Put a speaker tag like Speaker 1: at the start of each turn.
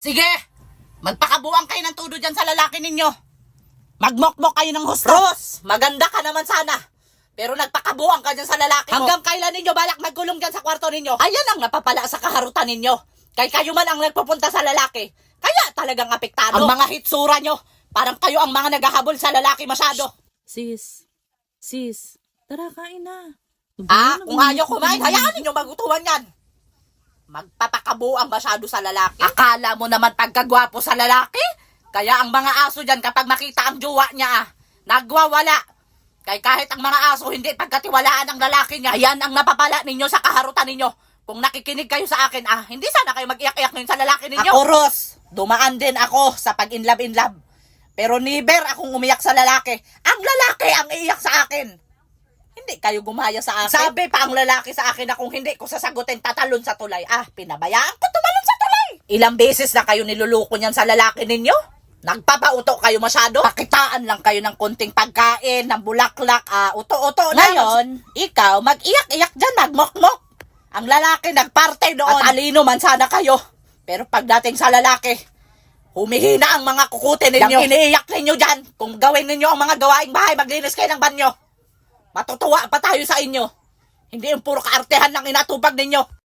Speaker 1: Sige, magpakabuang kayo ng tudo dyan sa lalaki ninyo. Magmokmok kayo ng husto.
Speaker 2: Ros, maganda ka naman sana. Pero nagpakabuang ka dyan sa lalaki mo.
Speaker 1: Hanggang kailan ninyo balak magkulong dyan sa kwarto ninyo?
Speaker 2: Ayan ang napapala sa kaharutan ninyo. Kay kayo man ang nagpupunta sa lalaki. Kaya talagang apektado. Ang mga hitsura nyo, parang kayo ang mga naghahabol sa lalaki masyado.
Speaker 3: Sis, tara kain na.
Speaker 2: Kung ayaw kumain, hayaan ninyo magutuhan yan. Magpapakabuang masyado sa lalaki. Akala mo naman pagkagwapo sa lalaki? Kaya ang mga aso dyan kapag makita ang jowa niya, nagwawala. Kaya kahit ang mga aso hindi pagkatiwalaan ang lalaki niya, yan ang napapala ninyo sa kaharutan ninyo. Kung nakikinig kayo sa akin, hindi sana kayo mag-iyak-iyak ngayon sa lalaki ninyo. Ako, Ros, dumaan din ako sa pag-inlove. Pero never akong umiyak sa lalaki. Ang lalaki ang iiyak sa akin. Hindi kayo gumaya sa akin. Sabi pa ang lalaki sa akin na kung hindi ko sasagutin, tatalon sa tulay. Pinabayaan ko tumalon sa tulay. Ilang beses na kayo niluluko niyan sa lalaki ninyo? Nagpapauto kayo masyado? Pakitaan lang kayo ng konting pagkain, ng bulaklak, uto-uto na. Ngayon, ikaw, mag-iyak-iyak dyan, magmokmok. Ang lalaki nagparte doon. At talino man sana kayo. Pero pagdating sa lalaki, humihina ang mga kukutin ninyo. Yang iniiyak ninyo dyan. Kung gawin ninyo ang mga gawaing bahay, maglinis kayo ng banyo. Matutuwa pa tayo sa inyo. Hindi yung puro kaartehan lang inatupag ninyo.